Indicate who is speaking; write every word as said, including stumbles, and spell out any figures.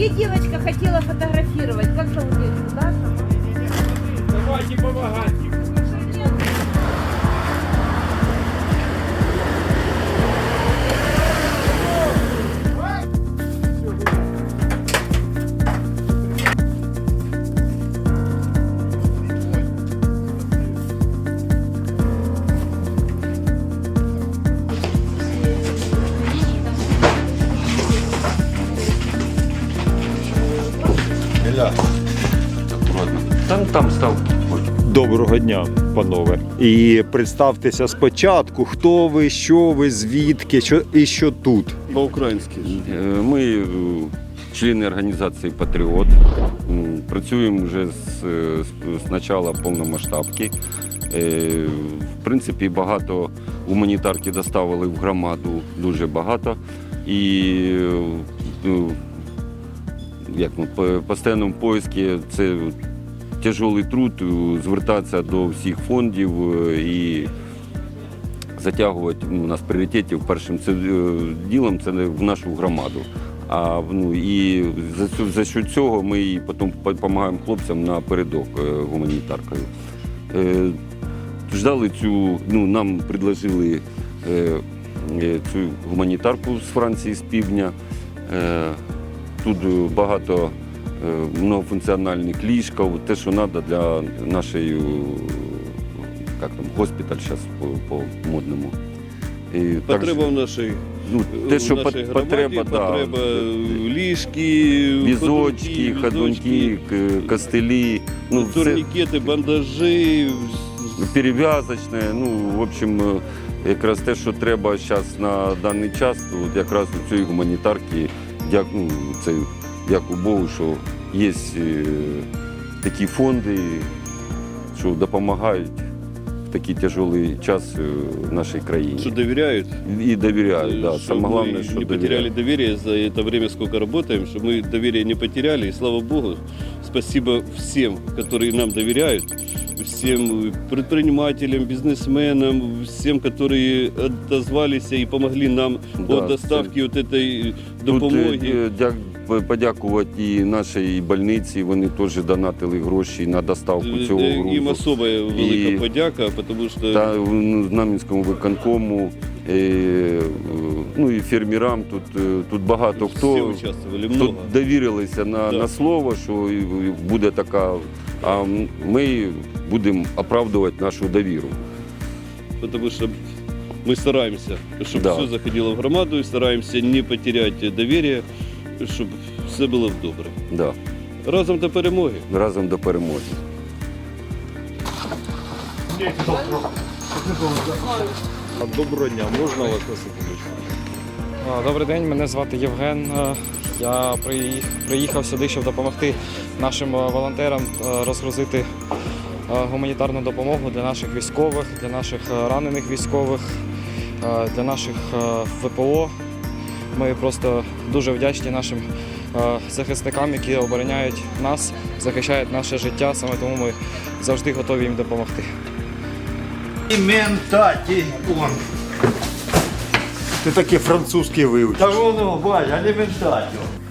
Speaker 1: И девочка хотела фотографировать. Как зовут девочку, Даша?
Speaker 2: Давайте помогать.
Speaker 3: Там, там став.
Speaker 4: Доброго дня, панове. І представтеся спочатку, хто ви, що ви, звідки, що і що тут.
Speaker 5: По-українськи.
Speaker 3: Ми е, члени організації Патріот. М, Працюємо вже з, з, з початку повномасштабки. Е, В принципі, багато гуманітарки доставили в громаду, дуже багато. І е, як ми, по постійному поиску це тяжкий труд, звертатися до всіх фондів і затягувати у нас пріоритетів першим це, ділом це в нашу громаду. А ну, і за, за що цього ми і потім допомагаємо хлопцям на передок гуманітаркою. Е, ждали цю, ну, нам предложили е, цю гуманітарку з Франції, з півдня. Е, тут багато многофункціональних ліжків, те, що треба для нашої, як там, госпіталь зараз по-модному.
Speaker 5: Потреба в нашій,
Speaker 3: ну, те, що
Speaker 5: в нашій громаді,
Speaker 3: потреба,
Speaker 5: потреба
Speaker 3: да,
Speaker 5: ліжки,
Speaker 3: візочки, ходунки, костелі, ну,
Speaker 5: турнікети, бандажі,
Speaker 3: перев'язочне, ну, в общем, якраз те, що треба зараз на даний час, от якраз у цієї гуманітарки, дякую, це дякую Богу, що є е, такі фонди, що допомагають в такий тяжкий час е, нашій країні.
Speaker 5: що довіряють.
Speaker 3: І довіряють, да.
Speaker 5: Щоб
Speaker 3: Саме головне,
Speaker 5: ми
Speaker 3: що
Speaker 5: не потеряли
Speaker 3: довіряють.
Speaker 5: доверие за это время, сколько работаем, чтобы мы доверие не потеряли. И слава Богу, спасибо всем, которые нам доверяют, всем предпринимателям, бизнесменам, всем, которые отозвались и помогли нам
Speaker 3: Да,
Speaker 5: по доставке вот этой допомоги.
Speaker 3: Тут, е, дя- подякувати і нашій больниці, вони теж донатили гроші на доставку цього грузу.
Speaker 5: Їм особо велика
Speaker 3: І-
Speaker 5: подяка, тому що
Speaker 3: Та ну, Знам'янському виконкому, е, ну і фермерам, тут, е, тут багато
Speaker 5: всі
Speaker 3: хто
Speaker 5: участвували,
Speaker 3: тут
Speaker 5: много.
Speaker 3: довірилися на,
Speaker 5: Да.
Speaker 3: на слово, що буде така, а ми будемо оправдувати нашу довіру.
Speaker 5: Потому что мы стараемся, чтобы
Speaker 3: Да.
Speaker 5: все заходило в громаду, и стараемся не потерять доверие, щоб все було добре.
Speaker 3: Да.
Speaker 5: Разом до перемоги.
Speaker 3: Разом до перемоги.
Speaker 4: Доброго дня, можна вас на секундочку?
Speaker 6: А, Добрий день, мене звати Євген. Е, Я приї- приїхав сюди, щоб допомогти нашим е, волонтерам е, розгрузити е, гуманітарну допомогу для наших військових, для наших е, ранених військових, е, для наших е, ВПО. Ми просто дуже вдячні нашим е, захисникам, які обороняють нас, захищають наше життя, саме тому ми завжди готові їм допомогти.
Speaker 7: Аліментатіон.
Speaker 4: Ти такий французький вивчив.
Speaker 7: Та воно, бач, аліментатіон.